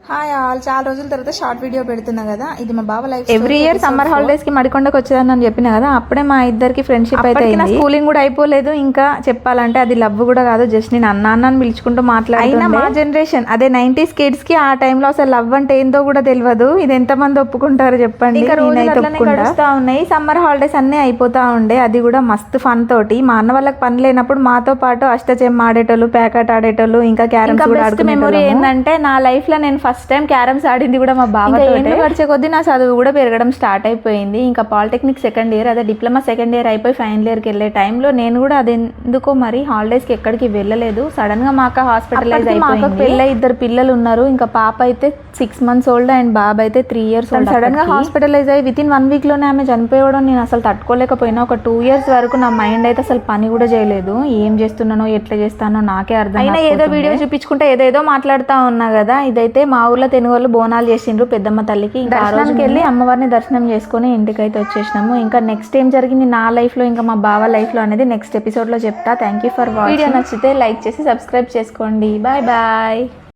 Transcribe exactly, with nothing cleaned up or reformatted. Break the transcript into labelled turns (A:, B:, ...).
A: Hi all, చాలా రోజుల తర్వాత షార్ట్ వీడియో పెడుతున్నా కదా. ఇది మా బావ life.
B: Every year summer holidays కి మడికొండకు వచ్చేదని అని చెప్పిన కదా, అప్పుడే మా ఇద్దరికి ఫ్రెండ్షిప్ అయితే నా స్కూలింగ్ కూడా అయిపోలేదు. ఇంకా చెప్పాలంటే అది లవ్ కూడా కాదు, జస్ట్ నేను అన్న అన్న అని పిలుచుకుంటూ మాట్లాడినా. మా జనరేషన్ అదే నైన్టీస్ కిడ్స్ కి ఆ టైంలో అసలు లవ్ అంటే ఏందో కూడా తెలియదు. ఇది ఎంత మంది ఒప్పుకుంటారు చెప్పండి. ఇంకా గడుస్తూ ఉన్నాయి. సమ్మర్ హాలిడేస్ అన్నీ అయిపోతా ఉండే, అది కూడా మస్తు ఫన్ తోటి. మా అన్న వాళ్ళకి పని లేనప్పుడు మాతో పాటు అష్టచెమ్మ ఆడేటోళ్ళు, ప్యాకెట్ ఆడేటోళ్ళు, ఇంకా క్యారమ్స్ కూడా ఆడుకునే. మెమొరీ ఏంటంటే నా లైఫ్ లో నేను ఫస్ట్ టైం క్యారమ్స్ ఆడింది కూడా మా బావతో. గడిచే కొద్దీ నా చదువు కూడా పెరగడం స్టార్ట్ అయిపోయింది. ఇంకా పాలిటెక్నిక్ సెకండ్ ఇయర్, అదే డిప్లొమా సెకండ్ ఇయర్ అయిపోయి ఫైనల్ ఇయర్కి వెళ్ళే టైంలో నేను కూడా అది ఎందుకో మరి హాలిడేస్కి ఎక్కడికి వెళ్ళలేదు. సడన్ గా మా అక్క హాస్పిటలైజ్ అయిపోయింది. పెళ్ళ ఇద్దరు పిల్లలు ఉన్నారు. ఇంకా పాప అయితే సిక్స్ మంత్స్ ఓల్డ్ అండ్ బాబు అయితే త్రీ ఇయర్స్ ఓల్డ్. సడన్ గా హాస్పిటలైజ్ అయ్యి విత్ ఇన్ వన్ వీక్ లోనే ఆమె చనిపోవడం నేను అసలు తట్టుకోలేకపోయినా. ఒక టూ ఇయర్స్ వరకు నా మైండ్ అయితే అసలు పని కూడా చేయలేదు. ఏం చేస్తున్నానో ఎట్లా చేస్తానో నాకే అర్థం. అయినా ఏదో వీడియో చూపించుకుంటే ఏదేదో మాట్లాడుతూ ఉన్నా కదా. ఇదైతే మా ఊర్లో తెలుగు వాళ్ళు బోనాలు చేసిండ్రు పెద్దమ్మ తల్లికి. ఇంకా ఆ రోజుకి వెళ్ళి అమ్మవారిని దర్శనం చేసుకుని ఇంటికైతే వచ్చేసినాము. ఇంకా నెక్స్ట్ ఏం జరిగింది నా లైఫ్ లో, ఇంకా మా బావ లైఫ్ లో అనేది నెక్స్ట్ ఎపిసోడ్ లో చెప్తా. Thank you for watching. Video నచ్చితే లైక్ చేసి సబ్స్క్రైబ్ చేసుకోండి. Bye bye.